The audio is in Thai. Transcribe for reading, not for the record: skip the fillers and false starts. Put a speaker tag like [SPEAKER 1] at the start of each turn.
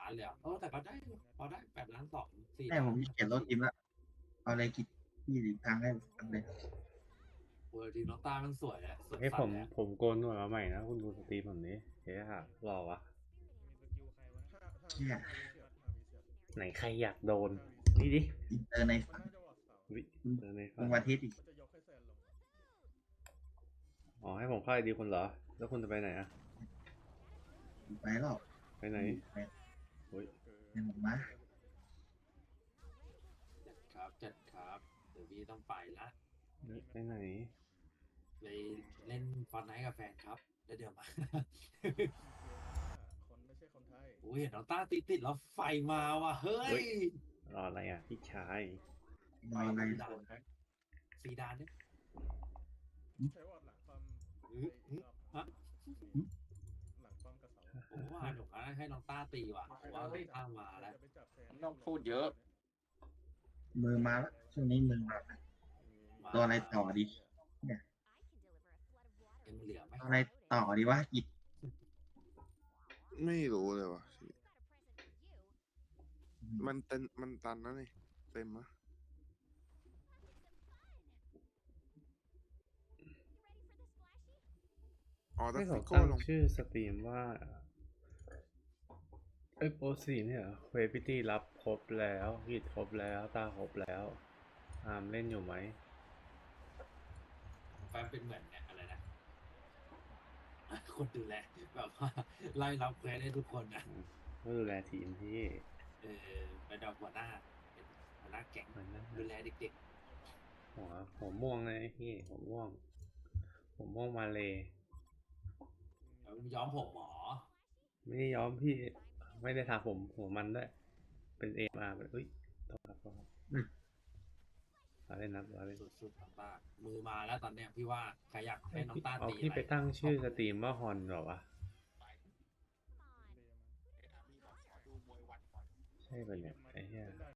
[SPEAKER 1] 8 ล้านเลยแต่ก็ได้พอได้8 ล้าน 2 4
[SPEAKER 2] แม่ผมเขียนรถทีมละเอาอะไรคิดที่อีกทางให้ทำเลย
[SPEAKER 1] ทีน้องตามันสวยอะสวย
[SPEAKER 3] ให้
[SPEAKER 1] สัตว์เลย
[SPEAKER 3] ผมโกนหนวดมาใหม่นะคุณดูสตรีมผมนี้เฮ้ยค่ะรอวะ
[SPEAKER 2] เนี่ย
[SPEAKER 3] ไหนใครอยากโดนนี่ดิ
[SPEAKER 2] อินเตอร์ในฝัน
[SPEAKER 3] วิเจอใน
[SPEAKER 2] ล
[SPEAKER 3] ฝัน
[SPEAKER 2] งวันอาทิตย์อีก
[SPEAKER 3] อ๋อให้ผมเข้าไอดีคุณเหรอแล้วคุณจะไปไหนอะ
[SPEAKER 2] ไปหรอก
[SPEAKER 3] ไปไหน
[SPEAKER 2] ไป
[SPEAKER 3] โอ้ย
[SPEAKER 2] เป็นหมดมา
[SPEAKER 1] จัดครับเดี๋ยวพี่ต้องไปละ
[SPEAKER 3] ไปไหน
[SPEAKER 1] ไปเล่นฟอนไนท์กับแฟนครับแล้วเดี๋ยวมา
[SPEAKER 4] คนไม่ใช่คนไทย
[SPEAKER 1] เห็นน้องต้าติดแล้วไฟมาว่ะเฮ้ย
[SPEAKER 3] รออะไรอ่ะพี่ชาย
[SPEAKER 2] นอนอะไร
[SPEAKER 1] ซีดานเนี่ย
[SPEAKER 4] ใช้วอดหลังความ
[SPEAKER 1] ฮะ
[SPEAKER 4] หลังความกระเสา
[SPEAKER 1] ผมว่าหนูให้น้องต้าตีว่ะผมว่าน้องต้ามาแล้ว
[SPEAKER 4] จะไปจับแทน
[SPEAKER 5] ต้องพูดเยอะ
[SPEAKER 2] มือมาแล้วช่วงนี้มือมาแล้วตัวอะไรต่อดี
[SPEAKER 1] ยังเหลือไหม
[SPEAKER 2] ตัวอะไรต่อดีวะหยิบ
[SPEAKER 6] ไม่รู้เลยว่ะพี่มันตันนะนี่เต็มมะอ๋อแต่
[SPEAKER 3] ให้เขา
[SPEAKER 6] ฟิโก้
[SPEAKER 3] ตั้ง
[SPEAKER 6] ลง
[SPEAKER 3] ชื่อสตรีมว่าโปรสีเนี่ยเวพิตี้รับครบแล้วกิจครบแล้วตาครบแล้วอามเล่นอยู่ไหม
[SPEAKER 1] แฟนเป็นเหมือนเนี่ยอะไรนะคนดูแลแบบว่าไล่รับเควสให้ทุกคนนะ
[SPEAKER 3] ก็ดูแลทีมที่
[SPEAKER 1] เป็นหัวหน้าเป็นหัวหน้าแก๊ง
[SPEAKER 3] มันนั่น
[SPEAKER 1] ดูแลเด็ก
[SPEAKER 3] หัวม่วงเลยพี่หัวม่วงมาเลย
[SPEAKER 1] ๆย้อมผมหมอ
[SPEAKER 3] ไม่ได้ย้อมพี่ไม่ได้ทาผมหัวมันด้วยเป็นเอมาเอ้ยต้องครับเราเล่นนับเราเล่น
[SPEAKER 1] สุดๆมากๆมือมาแล้วตอนเนี้ยพี่ว่าใครอยากให้น้องต้า
[SPEAKER 3] เอา
[SPEAKER 1] ตี
[SPEAKER 3] พี่
[SPEAKER 1] อะไร
[SPEAKER 3] ไปตั้งชื่อสตรีมว่าฮอนเหรอวะใช่ปะเนี่ยไอ้เหี้ย